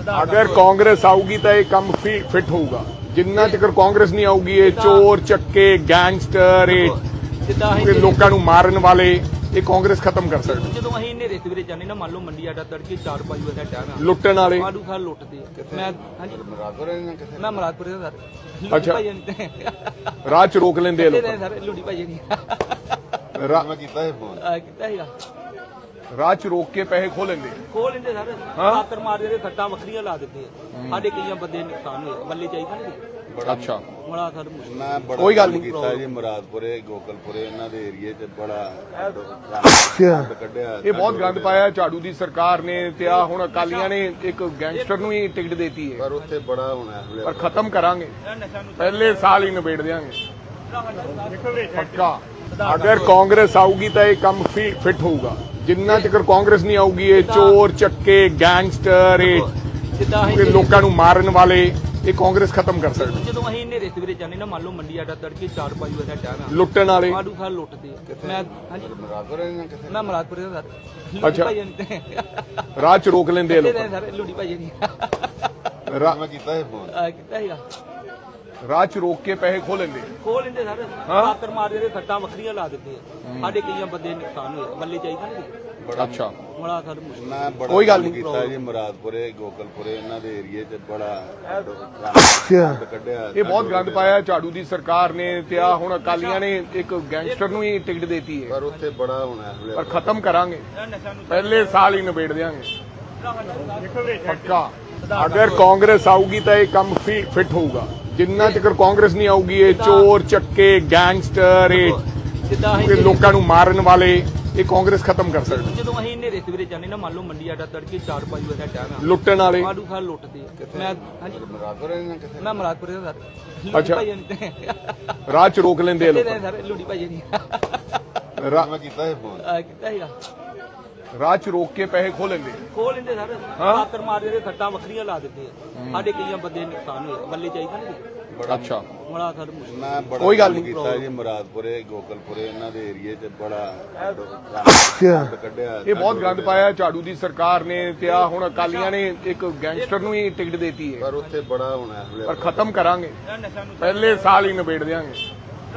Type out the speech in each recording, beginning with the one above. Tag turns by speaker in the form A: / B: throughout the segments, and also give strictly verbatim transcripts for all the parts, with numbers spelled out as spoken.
A: अगर कांग्रेस आऊगी तो यह कम फिट होगा। जिन्ना चक्कर कांग्रेस नहीं आऊगी ये चोर चक्के गैंगस्टर ये लोगों को मारन वाले ये कांग्रेस खत्म कर सकती
B: ਜਦੋਂ ਅਸੀਂ ਹਨੇਰੇ ਸਵੇਰੇ ਜਾਂਦੇ ਨਾ ਮੰਨ ਲਓ ਮੰਡੀ ਆਡਾ ਤੜਕੇ ਚਾਰ ਪੰਜ ਵਜੇ ਦਾ ਟਾਈਮ ਆ
A: ਲੁੱਟਣ ਵਾਲੇ
B: ਆਲੂ ਖਾ ਲੁੱਟਦੇ ਆ। ਮੈਂ ਹਾਂਜੀ
C: ਮਰਾਦਪੁਰ ਨੇ ਕਿੱਥੇ
B: ਮੈਂ ਮਰਾਦਪੁਰ ਦਾ ਸਰ
A: ਅੱਛਾ।
B: ਭਾਈ ਨੇ
A: ਰਾਹ ਚ ਰੋਕ ਲੈਂਦੇ ਆ ਲੋਕ
B: ਸਰ ਲੁੱਡੀ ਭਾਈ ਨੇ
C: ਮੈਂ ਕੀਤਾ ਇਹ ਫੋਨ
B: ਆ ਕੀਤਾ ਸੀਗਾ
A: ਰਾਹ ਚ ਰੋਕ ਕੇ ਪੈਸੇ ਖੋ ਲੈਂਦੇ
B: ਖੋਲ ਲੈਂਦੇ ਸਰ ਆਕਰ ਮਾਰਦੇ ਤੇ ਸੱਟਾਂ ਵੱਖਰੀਆਂ ਲਾ ਦਿੰਦੇ ਆ। ਸਾਡੇ ਕਈਆਂ ਬੰਦੇ ਨੁਕਸਾਨ ਹੋਏ ਬੱਲੇ ਚਾਹੀਦਾ ਨਹੀਂ
A: ਅੱਛਾ
B: ਬੜਾ ਸਰ ਮੁਸ਼ਕਿਲ
C: ਮੈਂ ਬੜਾ
A: ਕੋਈ ਗੱਲ ਨਹੀਂ
C: ਕੀਤਾ ਜੀ ਮਰਾਦਪੁਰੇ ਗੋਕਲਪੁਰੇ ਇਹਨਾਂ ਦੇ ਏਰੀਏ 'ਚ ਬੜਾ ਕੱਢਿਆ
A: ਇਹ ਬਹੁਤ ਗੰਦ ਪਾਇਆ ਝਾੜੂ ਦੀ ਸਰਕਾਰ ਨੇ ਤੇ ਆ ਹੁਣ ਅਕਾਲੀਆਂ ਨੇ ਇੱਕ ਗੈਂਗਸਟਰ ਨੂੰ ਹੀ ਟਿਕਟ ਦੇਤੀ ਹੈ
C: ਪਰ ਉੱਥੇ ਬੜਾ ਹੋਣਾ
A: ਪਰ ਖਤਮ ਕਰਾਂਗੇ ਪਹਿਲੇ ਸਾਲ ਹੀ ਨਿਬੇੜ ਦਿਆਂਗੇ ਪੱਕਾ। अगर कांग्रेस आऊगी तो यह कम फिट होगा। जिन्ना चक्कर कांग्रेस नहीं आऊगी ये चोर चक्के गैंगस्टर ये लोगों को मारन वाले ये कांग्रेस खत्म कर सकती
B: ਜਦੋਂ ਅਸੀਂ ਹਨੇਰੇ ਸਵੇਰੇ ਜਾਂਦੇ ਨਾ ਮੰਨ ਲਓ ਮੰਡੀ ਆਡਾ ਤੜਕੇ ਚਾਰ ਪੰਜ ਵਜੇ ਦਾ ਟਾਈਮ ਆ
A: ਲੁੱਟਣ ਵਾਲੇ
B: ਆਲੂ ਖਾ ਲੁੱਟਦੇ ਆ। ਮੈਂ ਹਾਂਜੀ
C: ਮਰਾਦਪੁਰ ਨੇ ਕਿੱਥੇ
B: ਮੈਂ ਮਰਾਦਪੁਰ ਦਾ ਸਰ
A: ਅੱਛਾ।
B: ਭਾਈ ਨੇ
A: ਰਾਹ ਚ ਰੋਕ ਲੈਂਦੇ ਆ ਲੋਕ
B: ਸਰ ਲੁੱਡੀ ਭਾਈ ਨੇ
C: ਮੈਂ ਕੀਤਾ ਇਹ ਫੋਨ
B: ਆ ਕੀਤਾ ਸੀਗਾ
A: ਰਾਹ ਚ ਰੋਕ ਕੇ ਪੈਸੇ ਖੋ ਲੈਂਦੇ
B: ਖੋਲ ਲੈਂਦੇ ਸਰ ਆਕਰ ਮਾਰਦੇ ਤੇ ਸੱਟਾਂ ਵੱਖਰੀਆਂ ਲਾ ਦਿੰਦੇ ਆ। ਸਾਡੇ ਕਈਆਂ ਬੰਦੇ ਨੁਕਸਾਨ ਹੋਏ ਬੱਲੇ ਚਾਹੀਦਾ ਨਹੀਂ
A: ਅੱਛਾ
B: ਬੜਾ ਸਰ ਮੁਸ਼ਕਿਲ
C: ਮੈਂ ਬੜਾ
A: ਕੋਈ ਗੱਲ ਨਹੀਂ
C: ਕੀਤਾ ਜੀ ਮਰਾਦਪੁਰੇ ਗੋਕਲਪੁਰੇ ਇਹਨਾਂ ਦੇ ਏਰੀਏ 'ਚ ਬੜਾ ਕੱਢਿਆ
A: ਇਹ ਬਹੁਤ ਗੰਦ ਪਾਇਆ ਝਾੜੂ ਦੀ ਸਰਕਾਰ ਨੇ ਤੇ ਆ ਹੁਣ ਅਕਾਲੀਆਂ ਨੇ ਇੱਕ ਗੈਂਗਸਟਰ ਨੂੰ ਹੀ ਟਿਕਟ ਦੇਤੀ ਹੈ
C: ਪਰ ਉੱਥੇ ਬੜਾ ਹੋਣਾ
A: ਪਰ ਖਤਮ ਕਰਾਂਗੇ ਪਹਿਲੇ ਸਾਲ ਹੀ ਨਿਬੇੜ ਦਿਆਂਗੇ ਪੱਕਾ। अगर कांग्रेस आऊगी तो यह कम फिट होगा। जिन्ना चक्कर कांग्रेस नहीं आऊगी ये चोर चक्के गैंगस्टर ये लोगों को मारन वाले ये कांग्रेस खत्म कर सकती
B: ਜਦੋਂ ਅਸੀਂ ਹਨੇਰੇ ਸਵੇਰੇ ਜਾਂਦੇ ਨਾ ਮੰਨ ਲਓ ਮੰਡੀ ਆਡਾ ਤੜਕੇ ਚਾਰ ਪੰਜ ਵਜੇ ਦਾ ਟਾਈਮ ਆ
A: ਲੁੱਟਣ ਵਾਲੇ
B: ਆਲੂ ਖਾ ਲੁੱਟਦੇ ਆ। ਮੈਂ ਹਾਂਜੀ
C: ਮਰਾਦਪੁਰ ਨੇ ਕਿੱਥੇ
B: ਮੈਂ ਮਰਾਦਪੁਰ ਦਾ ਸਰ
A: ਅੱਛਾ।
B: ਭਾਈ ਨੇ
A: ਰਾਹ ਚ ਰੋਕ ਲੈਂਦੇ ਆ ਲੋਕ
B: ਸਰ ਲੁੱਡੀ ਭਾਈ ਨੇ
C: ਮੈਂ ਕੀਤਾ ਇਹ ਫੋਨ
B: ਆ ਕੀਤਾ ਸੀਗਾ
A: ਰਾਹ ਚ ਰੋਕ ਕੇ ਪੈਸੇ ਖੋ ਲੈਂਦੇ
B: ਖੋਲ ਲੈਂਦੇ ਸਰ ਆਕਰ ਮਾਰਦੇ ਤੇ ਸੱਟਾਂ ਵੱਖਰੀਆਂ ਲਾ ਦਿੰਦੇ ਆ। ਸਾਡੇ ਕਈਆਂ ਬੰਦੇ ਨੁਕਸਾਨ ਹੋਏ ਬੱਲੇ ਚਾਹੀਦਾ ਨਹੀਂ
A: ਅੱਛਾ
B: ਬੜਾ ਸਰ ਮੁਸ਼ਕਿਲ
C: ਮੈਂ ਬੜਾ
A: ਕੋਈ ਗੱਲ ਨਹੀਂ
C: ਕੀਤਾ ਜੀ ਮਰਾਦਪੁਰੇ ਗੋਕਲਪੁਰੇ ਇਹਨਾਂ ਦੇ ਏਰੀਏ 'ਚ ਬੜਾ ਕੱਢਿਆ
A: ਇਹ ਬਹੁਤ ਗੰਦ ਪਾਇਆ ਝਾੜੂ ਦੀ ਸਰਕਾਰ ਨੇ ਤੇ ਆ ਹੁਣ ਅਕਾਲੀਆਂ ਨੇ ਇੱਕ ਗੈਂਗਸਟਰ ਨੂੰ ਹੀ ਟਿਕਟ ਦੇਤੀ ਹੈ
C: ਪਰ ਉੱਥੇ ਬੜਾ ਹੋਣਾ
A: ਪਰ ਖਤਮ ਕਰਾਂਗੇ ਪਹਿਲੇ ਸਾਲ ਹੀ ਨਿਬੇੜ ਦਿਆਂਗੇ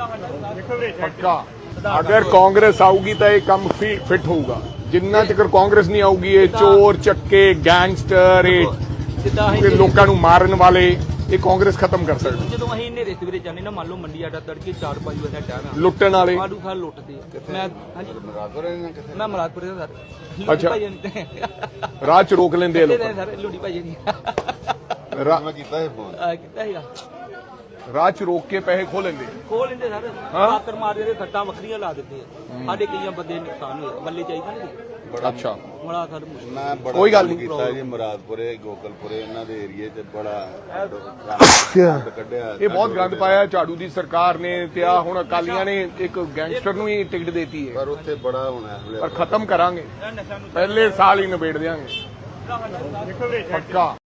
A: ਪੱਕਾ। अगर कांग्रेस आऊगी तो यह कम फिट होगा। जिन्ना चक्कर कांग्रेस नहीं आऊगी ये चोर चक्के गैंगस्टर ये लोगों को मारन वाले ये कांग्रेस खत्म कर सकती
B: ਜਦੋਂ ਅਸੀਂ ਹਨੇਰੇ ਸਵੇਰੇ ਜਾਂਦੇ ਨਾ ਮੰਨ ਲਓ ਮੰਡੀ ਆਡਾ ਤੜਕੇ ਚਾਰ ਪੰਜ ਵਜੇ ਦਾ ਟਾਈਮ ਆ
A: ਲੁੱਟਣ ਵਾਲੇ
B: ਆਲੂ ਖਾ ਲੁੱਟਦੇ ਆ। ਮੈਂ ਹਾਂਜੀ
C: ਮਰਾਦਪੁਰ ਨੇ ਕਿੱਥੇ
B: ਮੈਂ ਮਰਾਦਪੁਰ ਦਾ ਸਰ
A: ਅੱਛਾ।
B: ਭਾਈ ਨੇ
A: ਰਾਹ ਚ ਰੋਕ ਲੈਂਦੇ ਆ ਲੋਕ
B: ਸਰ ਲੁੱਡੀ ਭਾਈ ਨੇ
C: ਮੈਂ ਕੀਤਾ ਇਹ ਫੋਨ
B: ਆ ਕੀਤਾ ਸੀਗਾ
A: ਰਾਹ ਚ ਰੋਕ ਕੇ ਪੈਸੇ ਖੋ ਲੈਂਦੇ
B: ਖੋਲ ਲੈਂਦੇ ਸਰ ਆਕਰ ਮਾਰਦੇ ਤੇ ਸੱਟਾਂ ਵੱਖਰੀਆਂ ਲਾ ਦਿੰਦੇ ਆ। ਸਾਡੇ ਕਈਆਂ ਬੰਦੇ ਨੁਕਸਾਨ ਹੋਏ ਬੱਲੇ ਚਾਹੀਦਾ ਨਹੀਂ
A: ਅੱਛਾ
B: ਬੜਾ ਸਰ ਮੁਸ਼ਕਿਲ
C: ਮੈਂ ਬੜਾ
A: ਕੋਈ ਗੱਲ ਨਹੀਂ
C: ਕੀਤਾ ਜੀ ਮਰਾਦਪੁਰੇ ਗੋਕਲਪੁਰੇ ਇਹਨਾਂ ਦੇ ਏਰੀਏ 'ਚ ਬੜਾ ਕੱਢਿਆ
A: ਇਹ ਬਹੁਤ ਗੰਦ ਪਾਇਆ ਝਾੜੂ ਦੀ ਸਰਕਾਰ ਨੇ ਤੇ ਆ ਹੁਣ ਅਕਾਲੀਆਂ ਨੇ ਇੱਕ ਗੈਂਗਸਟਰ ਨੂੰ ਹੀ ਟਿਕਟ ਦੇਤੀ ਹੈ
C: ਪਰ ਉੱਥੇ ਬੜਾ ਹੋਣਾ
A: ਪਰ ਖਤਮ ਕਰਾਂਗੇ ਪਹਿਲੇ ਸਾਲ ਹੀ ਨਿਬੇੜ ਦਿਆਂਗੇ ਪੱਕਾ।